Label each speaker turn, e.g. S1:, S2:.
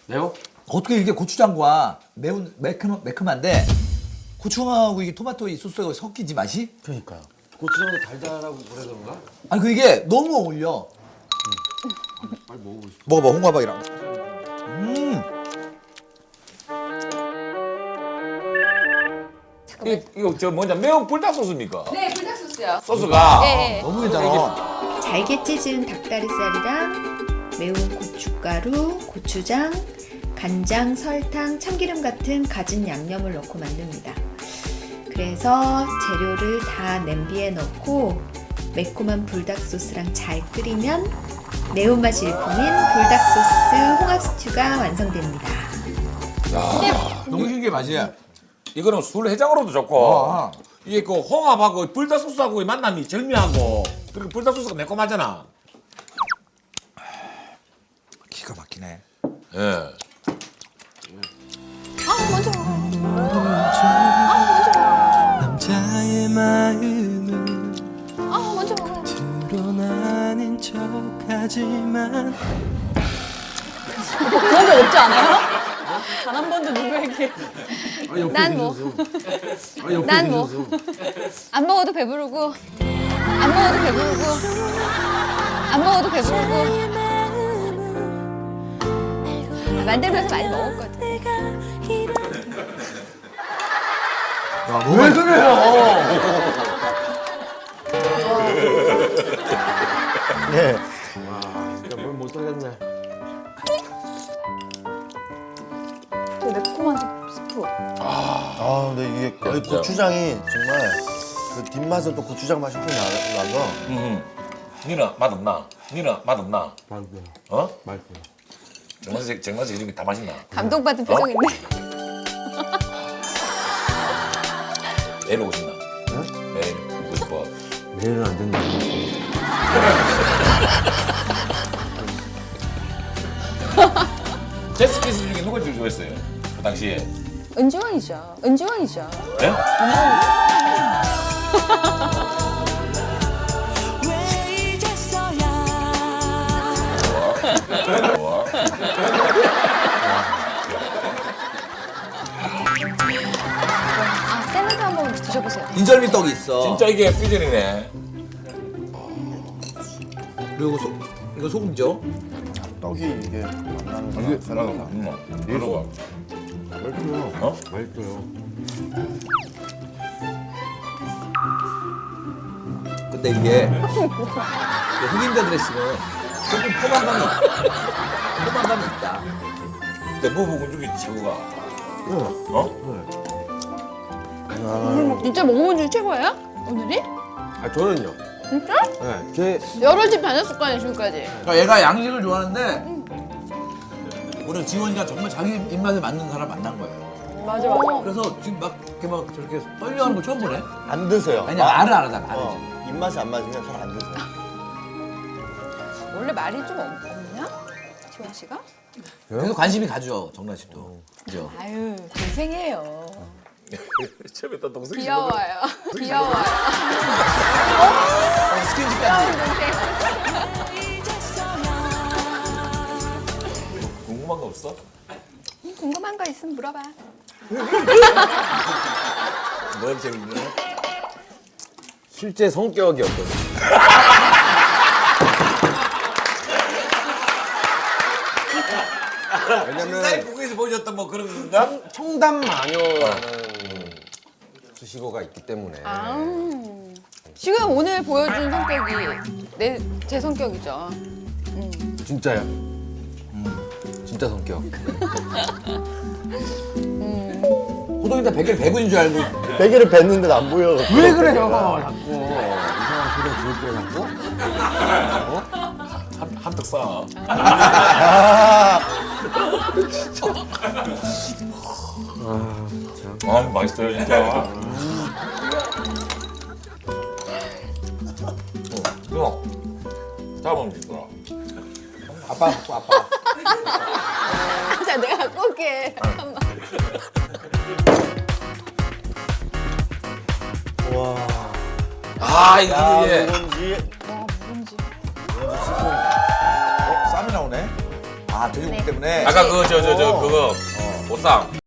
S1: 매워?
S2: 어떻게 이게 고추장과 매콤한데 고추장하고 이게 토마토 이 소스가 섞이지 맛이?
S1: 그러니까요. 고추장도 달달하고 그래 그런가?
S2: 아니 그 이게 너무 어울려.
S1: 빨리 먹어보고 싶어.
S2: 먹어봐 홍합이랑.
S3: 이거 저 뭐냐 매운 불닭 소스입니까?
S4: 네, 불닭 소스요.
S3: 소스가
S4: 네.
S2: 너무 괜찮아.
S5: 잘게 찢은 닭다리살이랑 매운 고춧가루, 고추장, 간장, 설탕, 참기름 같은 갖은 양념을 넣고 만듭니다. 그래서 재료를 다 냄비에 넣고 매콤한 불닭 소스랑 잘 끓이면 매운맛이 일품인 불닭 소스 홍합 스튜가 완성됩니다.
S2: 너무 신기해 맛이.
S3: 이거는 술 해장으로도 좋고
S2: 아.
S3: 이게 그 홍합하고 불닭 소스하고의 만남이 절묘하고 그리고 불닭 소스가 매콤하잖아.
S2: 기가 막히네.
S3: 예.
S4: 먼저 먹어.
S6: 남자의 마음은
S4: 먼저 먹어.
S6: 드러나는 척하지만
S4: 그런 적 없지 않아요? 단 한 번도 누구에게. 난 뭐. 난 뭐. 안 먹어도 배부르고. 안 먹어도 배부르고. 안 먹어도 배부르고. 만들면서 많이 먹었거든.
S2: 왜 그래요?
S1: 네. 진짜 뭘 못 하겠네.
S4: 되게 매콤한 스프.
S7: 아, 근데 이게 거의
S3: 진짜.
S7: 고추장이 정말 그 뒷맛은 또 고추장 맛이 확 나서
S3: 니는 맛없나? 니는 맛없나?
S1: 맛있어요.
S3: 어?
S1: 맛있어요.
S3: 정만식 이름이 다 맛있나?
S4: 감동받은 표정인데.
S3: 내일 오고 싶나? 내일 오고 싶어.
S1: 내일은 안 된다.
S3: 제스키스 중에 누가 제일 좋아했어요? 그 당시에.
S4: 은지원이죠. 은지원이죠.
S3: 예?
S6: 왜 이제서야
S3: 좋아.
S4: 샐러드 한번 드셔보세요.
S2: 인절미 떡이 있어.
S3: 진짜 이게 퓨전이네.
S2: 그리고 이거 소금죠.
S7: 떡이 이게 만나는 사람
S3: 이거
S1: 맛있어요.
S3: 어?
S1: 맛있어요.
S2: 근데 이게 흑임자 드레싱은 조금 포만감이 있다.
S3: 근데 무부군 중에 최고가. 어?
S4: 진짜 먹어본 중 최고예요? 오늘이?
S1: 아 저는요.
S4: 진짜?
S1: 네. 제
S4: 여러 집 다녔을 거 아니에요, 지금까지.
S2: 그러니까 얘가 양식을 좋아하는데 오늘 지원이가 정말 자기 입맛에 맞는 사람 만난 거예요.
S4: 맞아, 맞아.
S2: 그래서 지금 막 이렇게 막 저렇게 떨려하는 거 처음 보네.
S7: 안 드세요.
S2: 아니 말을 안 하잖아. 말을.
S7: 입맛이 안 맞으면 잘 안 드세요.
S4: 원래 말이 좀 없냐? 지원 씨가?
S2: 계속 관심이 가죠 정란 씨도. 그죠?
S4: 아유, 동생이에요.
S3: 처음에 또 동생이
S4: 귀여워요. 귀여워요.
S2: 스킨십까지.
S3: 궁금한 거 없어?
S4: 궁금한 거 있으면 물어봐.
S3: 뭘 재밌냐?
S1: 실제 성격이 어떠세요?
S3: 신사의
S1: 왜냐면
S3: 북에서 보여줬던 뭐 그런 건가?
S1: 청담 마녀라는 수식어가 있기 때문에.
S4: 지금 오늘 보여준 성격이 제 성격이죠.
S1: 진짜요? 진짜 성격.
S2: 호동이 베개를 배구인 줄 알고.
S7: 베개를 뱉는데 안 보여.
S1: 왜 그래요? 자꾸 이상한 소리 들을 때 자꾸.
S3: 한턱 쏴. 아 맛있어요 진짜. 형, 잡으면 되더라.
S2: 아빠 갖고 아빠.
S4: 자, 내가 갖고 올게. 잠깐만.
S7: 와.
S3: 아 이게
S7: 야,
S3: 예.
S7: 묵은지.
S4: 와, 묵은지.
S2: 쌈이 나오네. 아 돼지고기
S4: 네.
S2: 때문에.
S3: 아까 그거 보쌈